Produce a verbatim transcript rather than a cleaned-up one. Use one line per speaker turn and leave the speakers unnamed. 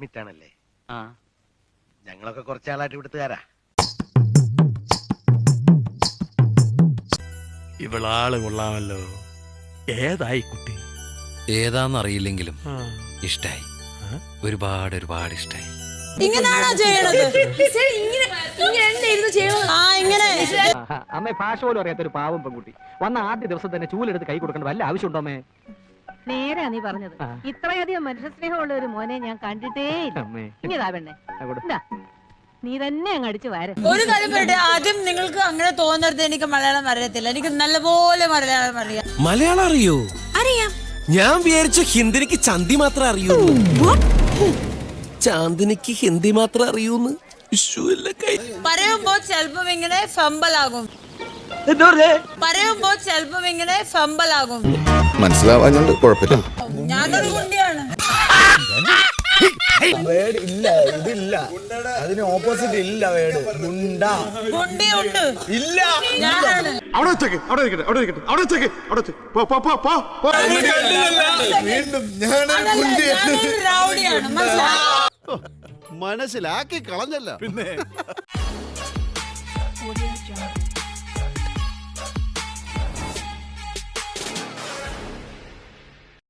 Unit
ആ
ഞങ്ങളൊക്കെ കുറച്ചാളായിട്ട് ഇവിടുത്തുകാരാ.
ഇവളാള് കൊള്ളാമല്ലോ. ഏതായി കുട്ടി?
ഏതാന്നറിയില്ലെങ്കിലും ഇഷ്ടായി, ഒരുപാട് ഒരുപാട് ഇഷ്ടായി.
ഇങ്ങനാണോ ചെയ്യണത്? ആ ഇങ്ങനെ
അമ്മേ ഭാഷ പോലും അറിയാത്തൊരു പാവം പെൺകുട്ടി വന്ന ആദ്യ ദിവസം തന്നെ ചൂലെടുത്ത് കൈ കൊടുക്കേണ്ട വല്ല ആവശ്യമുണ്ടോ അമ്മേ?
നേരാ നീ പറഞ്ഞത്. ഇത്രയധികം മനുഷ്യ സ്നേഹമുള്ള ഒരു മോനെ ഞാൻ കണ്ടിട്ടേ ഇല്ല. ഇങ്ങതാ പെണ്ണെ, എന്താ നീ തന്നെ അങ്ങ് അടിച്ചു വാര.
ഒരു കാര്യം പറയട്ടെ, ആദ്യം നിങ്ങൾക്ക് അങ്ങനെ തോന്നരുത് എനിക്ക് മലയാളം അറിയത്തില്ല. എനിക്ക് നല്ലപോലെ മലയാളം അറിയാം.
മലയാളം അറിയോ?
അറിയാം.
ഞാൻ വിചാരിച്ചു ഹിന്ദിനിക്ക് ചന്തി മാത്രം അറിയൂ. ചാന്ദിനിക്ക് ഹിന്ദി മാത്രം അറിയൂന്ന്.
പറയുമ്പോ ചെലപ്പം ഇങ്ങനെ ഫമ്പലാകും. പറയുമ്പോ ചെലപ്പം ഇങ്ങനെ ഫമ്പലാകും.
മനസ്സിലാവാഞ്ഞോണ്ട് കുഴപ്പമില്ല.
ഞാനൊരു കുണ്ടിയാണ്.
ഇല്ല, ഇതില്ല, അതിന് ഓപ്പോസിറ്റ് ഇല്ല. വേട്
കുണ്ടിയുണ്ട്.
ഇല്ല,
ഞാനാണ്.
അവിടെ വെച്ചേക്ക്, അവിടെ ഇരിക്കട്ടെ, അവിടെ ഇരിക്കട്ടെ, അവിടെ വെച്ചേക്ക്, അവിടെ വെച്ചേക്ക്. പോ പോ പോ പോ പോ.
വീണ്ടും ഞാൻ
ഞാനൊരു റൗഡിയാണ്, മനസ്സിലായോ?
മനസ്സിലാക്കി കളഞ്ഞല്ല പിന്നെ.